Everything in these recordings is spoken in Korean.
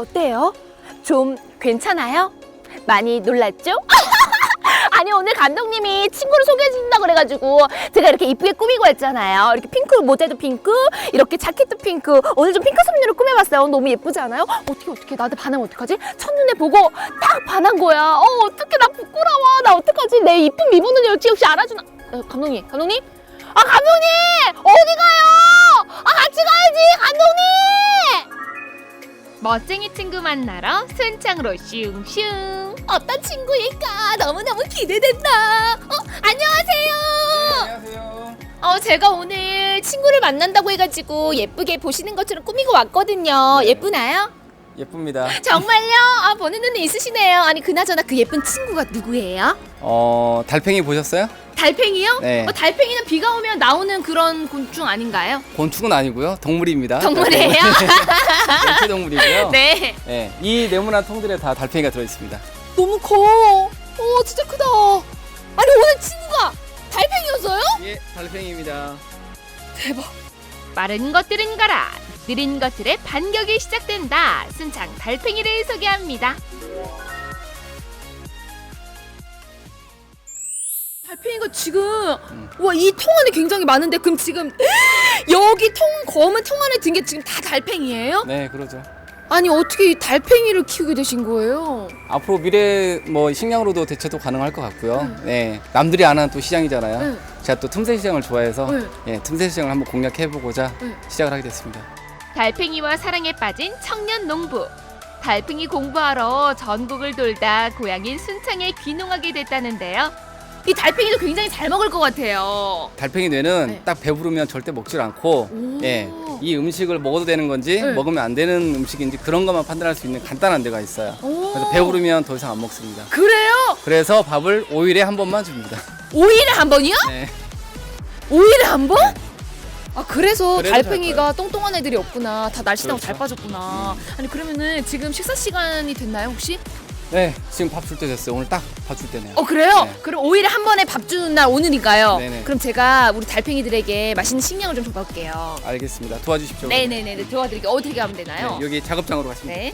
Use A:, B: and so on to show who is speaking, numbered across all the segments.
A: 어때요? 좀 괜찮아요? 많이 놀랐죠? 아니 오늘 감독님이 친구를 소개해준다고 그래가지고 제가 이렇게 이쁘게 꾸미고 했잖아요. 이렇게 핑크 모자도 핑크, 이렇게 자켓도 핑크. 오늘 좀 핑크 섬유로 꾸며봤어요. 너무 예쁘지 않아요? 어떻게 나한테 반하면 어떡하지? 첫눈에 보고 딱 반한 거야. 어떡해, 나 부끄러워. 나 어떡하지? 내 이쁜 미모는 역시 알아주나? 감독님? 아, 감독님! 어디 가요? 아, 같이 가야지, 감독님!
B: 멋쟁이 친구 만나러 순창으로 슝슝.
A: 어떤 친구일까? 너무너무 기대된다. 안녕하세요.
C: 네, 안녕하세요.
A: 제가 오늘 친구를 만난다고 해가지고 예쁘게 보시는 것처럼 꾸미고 왔거든요.
C: 네.
A: 예쁘나요?
C: 예쁩니다.
A: 정말요? 아, 보는 눈이 있으시네요. 아니, 그나저나 그 예쁜 친구가 누구예요?
C: 달팽이 보셨어요?
A: 달팽이요?
C: 네.
A: 달팽이는 비가 오면 나오는 그런 곤충 아닌가요?
C: 곤충은 아니고요. 동물입니다.
A: 동물이에요?
C: 연체 동물이고요.
A: 네.
C: 네, 이 네모난 통들에 다 달팽이가 들어있습니다.
A: 너무 커. 진짜 크다. 아니, 오늘 친구가 달팽이였어요?
C: 예, 달팽이입니다.
A: 대박.
B: 빠른 것들은 가라. 느린 것들의 반격이 시작된다. 순창 달팽이를 소개합니다.
A: 달팽이가 지금 와, 이 통 안에 굉장히 많은데 그럼 지금 여기 검은 통 안에 든 게 지금 다 달팽이에요?
C: 네, 그러죠.
A: 아니 어떻게 이 달팽이를 키우게 되신 거예요?
C: 앞으로 미래 식량으로도 대체도 가능할 것 같고요. 네, 남들이 안 하는 또 시장이잖아요.
A: 응.
C: 제가 또 틈새 시장을 좋아해서
A: 응.
C: 예, 틈새 시장을 한번 공략해보고자
A: 응.
C: 시작을 하게 됐습니다.
B: 달팽이와 사랑에 빠진 청년 농부. 달팽이 공부하러 전국을 돌다 고향인 순창에 귀농하게 됐다는데요.
A: 이 달팽이도 굉장히 잘 먹을 것 같아요.
C: 달팽이 뇌는
A: 네.
C: 딱 배부르면 절대 먹질 않고
A: 오.
C: 예, 이 음식을 먹어도 되는 건지
A: 네.
C: 먹으면 안 되는 음식인지 그런 것만 판단할 수 있는 간단한 데가 있어요.
A: 오.
C: 그래서 배부르면 더 이상 안 먹습니다.
A: 그래요?
C: 그래서 밥을 5일에 한 번만 줍니다.
A: 5일에 한 번이요?
C: 네.
A: 5일에 한 번? 아, 그래서
C: 그래도
A: 달팽이가 똥똥한 애들이 없구나. 다 날씬하고
C: 그렇죠.
A: 잘 빠졌구나. 아니 그러면은 지금 식사 시간이 됐나요 혹시?
C: 네, 지금 밥 줄 때 됐어요. 오늘 딱 밥 줄 때네요.
A: 그래요?
C: 네.
A: 그럼 5일에 한 번에 밥 주는 날 오늘인가요?
C: 네네.
A: 그럼 제가 우리 달팽이들에게 맛있는 식량을 좀 줘볼게요.
C: 알겠습니다. 도와주십시오.
A: 네네네, 도와드릴게요. 어떻게 하면 되나요?
C: 네, 여기 작업장으로 가시면 돼요.
A: 네.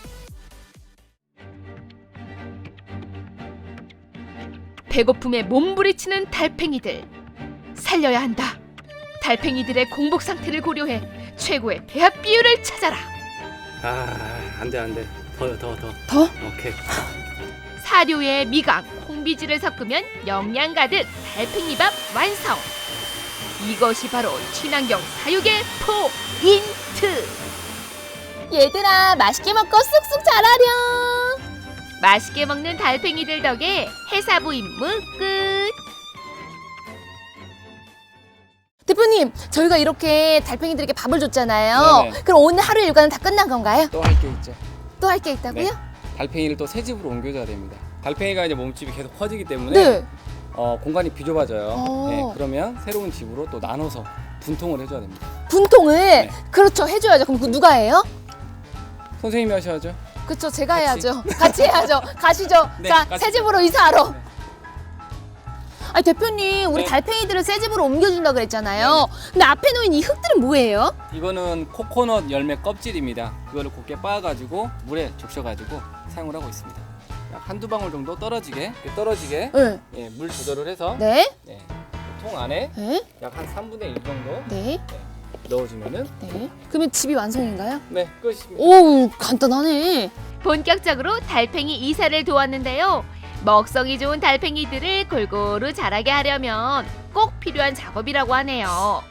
B: 배고픔에 몸부리치는 달팽이들. 살려야 한다. 달팽이들의 공복 상태를 고려해 최고의 배합 비율을 찾아라.
C: 안 돼. 더.
A: 더?
C: 오케이.
B: 사료에 미강, 콩비지를 섞으면 영양 가득 달팽이밥 완성. 이것이 바로 친환경 사육의 포인트.
A: 얘들아, 맛있게 먹고 쑥쑥 자라렴.
B: 맛있게 먹는 달팽이들 덕에 해사부 임무 끝.
A: 대표님, 저희가 이렇게 달팽이들에게 밥을 줬잖아요.
C: 네네.
A: 그럼 오늘 하루 일과는 다 끝난 건가요?
C: 또 할 게 있죠.
A: 또 할 게 있다고요?
C: 네. 달팽이를 또 새 집으로 옮겨줘야 됩니다. 달팽이가 이제 몸집이 계속 커지기 때문에
A: 네.
C: 공간이 비좁아져요. 네,
A: 어.
C: 그러면 새로운 집으로 또 나눠서 분통을 해줘야 됩니다.
A: 분통을
C: 네.
A: 그렇죠, 해줘야죠. 그럼 그거 누가 해요?
C: 선생님이 하셔야죠.
A: 그렇죠, 제가
C: 같이.
A: 해야죠. 같이 해야죠. 가시죠.
C: 네,
A: 자,
C: 가시죠.
A: 새 집으로 이사하러.
C: 네.
A: 아니 대표님, 우리
C: 네.
A: 달팽이들을 새 집으로 옮겨준다 그랬잖아요. 근데 앞에 놓인 이 흙들은 뭐예요?
C: 이거는 코코넛 열매 껍질입니다. 그거를 곱게 빻아가지고 물에 적셔가지고 사용을 하고 있습니다. 약 한두 방울 정도 떨어지게
A: 네.
C: 예, 물 조절을 해서
A: 네.
C: 예, 통 안에
A: 네.
C: 약 한 3분의 1 정도
A: 네.
C: 넣어주면은
A: 네. 그러면 집이 완성인가요?
C: 네, 끝입니다.
A: 오, 간단하네.
B: 본격적으로 달팽이 이사를 도왔는데요. 먹성이 좋은 달팽이들을 골고루 자라게 하려면 꼭 필요한 작업이라고 하네요.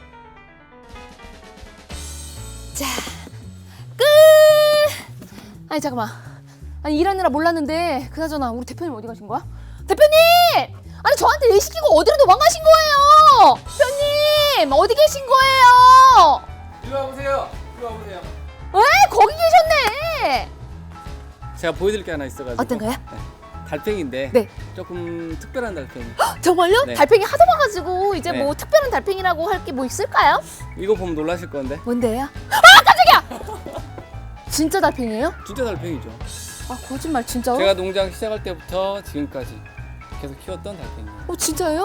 A: 자, 끝. 아니 잠깐만. 아니 일하느라 몰랐는데 그나저나 우리 대표님 어디 가신 거야? 대표님! 아니 저한테 일 시키고 어디로 도망가신 거예요? 대표님 어디 계신 거예요?
C: 이리 와보세요.
A: 왜 거기 계셨네?
C: 제가 보여드릴 게 하나 있어가지고.
A: 어떤 거요?
C: 달팽이인데
A: 네.
C: 조금 특별한 달팽이.
A: 정말요?
C: 네.
A: 달팽이 하도 봐가지고 이제
C: 네.
A: 뭐 특별한 달팽이라고 할 게 뭐 있을까요?
C: 이거 보면 놀라실 건데
A: 뭔데요? 아 깜짝이야! 진짜 달팽이에요?
C: 진짜 달팽이죠.
A: 아 거짓말 진짜로?
C: 제가 농장 시작할 때부터 지금까지 계속 키웠던 달팽이에요.
A: 진짜예요?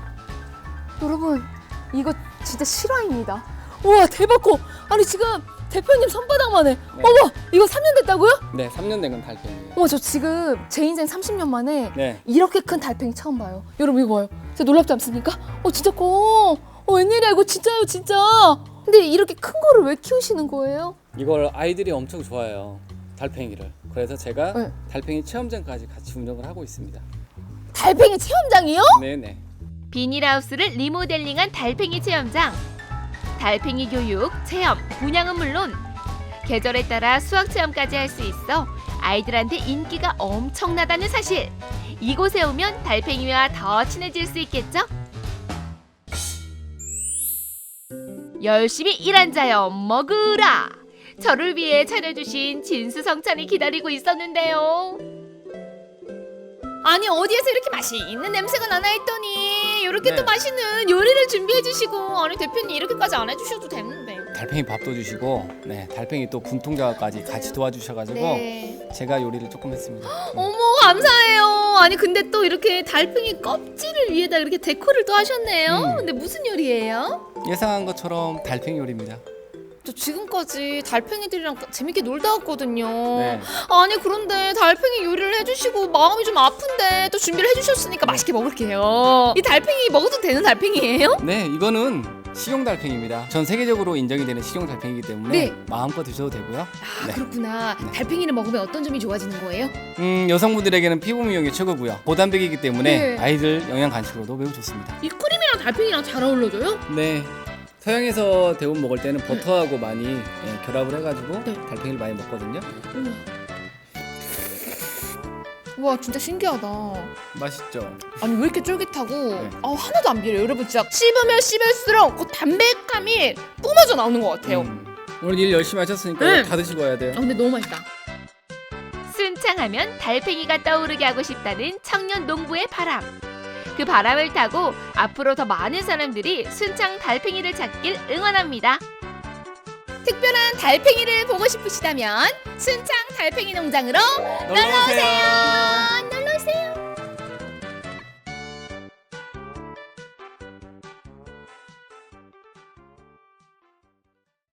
A: 여러분 이거 진짜 실화입니다. 우와 대박 커. 아니 지금 대표님 손바닥만 해.
C: 네.
A: 어머, 이거 3년 됐다고요?
C: 네, 3년 된 건 달팽이에요.
A: 어머, 저 지금 제 인생 30년 만에
C: 네.
A: 이렇게 큰 달팽이 처음 봐요. 여러분 이거 봐요. 진짜 놀랍지 않습니까? 진짜 커. 웬일이야 이거 진짜요 진짜. 근데 이렇게 큰 거를 왜 키우시는 거예요?
C: 이걸 아이들이 엄청 좋아해요. 달팽이를. 그래서 제가
A: 네.
C: 달팽이 체험장까지 같이 운영을 하고 있습니다.
A: 달팽이 체험장이요?
C: 네네.
B: 비닐하우스를 리모델링한 달팽이 체험장. 달팽이 교육, 체험, 분양은 물론 계절에 따라 수학 체험까지 할 수 있어 아이들한테 인기가 엄청나다는 사실. 이곳에 오면 달팽이와 더 친해질 수 있겠죠? 열심히 일한 자여 먹으라. 저를 위해 차려주신 진수성찬이 기다리고 있었는데요.
A: 아니 어디에서 이렇게 맛있는 냄새가 나나 했더니 이렇게
C: 네.
A: 또 맛있는 요리를 준비해 주시고 아니 대표님 이렇게까지 안 해주셔도 되는데.
C: 달팽이 밥도 주시고, 네, 달팽이 또 분통작업까지 같이 도와주셔가지고
A: 네.
C: 제가 요리를 조금 했습니다.
A: 어머 감사해요. 아니 근데 또 이렇게 달팽이 껍질을 위에다 이렇게 데코를 또 하셨네요. 근데 무슨 요리예요?
C: 예상한 것처럼 달팽이 요리입니다.
A: 저 지금까지 달팽이들이랑 재밌게 놀다 왔거든요.
C: 네.
A: 아니 그런데 달팽이 요리를 해주시고 마음이 좀 아픈데 또 준비를 해주셨으니까 맛있게 먹을게요. 이 달팽이 먹어도 되는 달팽이에요?
C: 네, 이거는 식용 달팽이입니다. 전 세계적으로 인정이 되는 식용 달팽이기 때문에
A: 네.
C: 마음껏 드셔도 되고요.
A: 아
C: 네.
A: 그렇구나.
C: 네.
A: 달팽이를 먹으면 어떤 점이 좋아지는 거예요?
C: 여성분들에게는 피부 미용이 최고고요. 고단백이기 때문에
A: 네.
C: 아이들 영양 간식으로도 매우 좋습니다.
A: 이 크림이랑 달팽이랑 잘 어울려져요?
C: 네. 서양에서 대부분 먹을 때는 버터하고 많이 결합을 해가지고
A: 네.
C: 달팽이를 많이 먹거든요.
A: 우와 진짜 신기하다.
C: 맛있죠?
A: 아니 왜 이렇게 쫄깃하고
C: 네.
A: 하나도 안 비려요. 여러분 진짜 씹으면 씹을수록 그 담백함이 뿜어져 나오는 것 같아요.
C: 오늘 일 열심히 하셨으니까
A: 네.
C: 이거 다 드시고 와야 돼요.
A: 근데 너무 맛있다.
B: 순창하면 달팽이가 떠오르게 하고 싶다는 청년 농부의 바람. 그 바람을 타고 앞으로 더 많은 사람들이 순창 달팽이를 찾길 응원합니다.
A: 특별한 달팽이를 보고 싶으시다면 순창 달팽이 농장으로
C: 놀러오세요.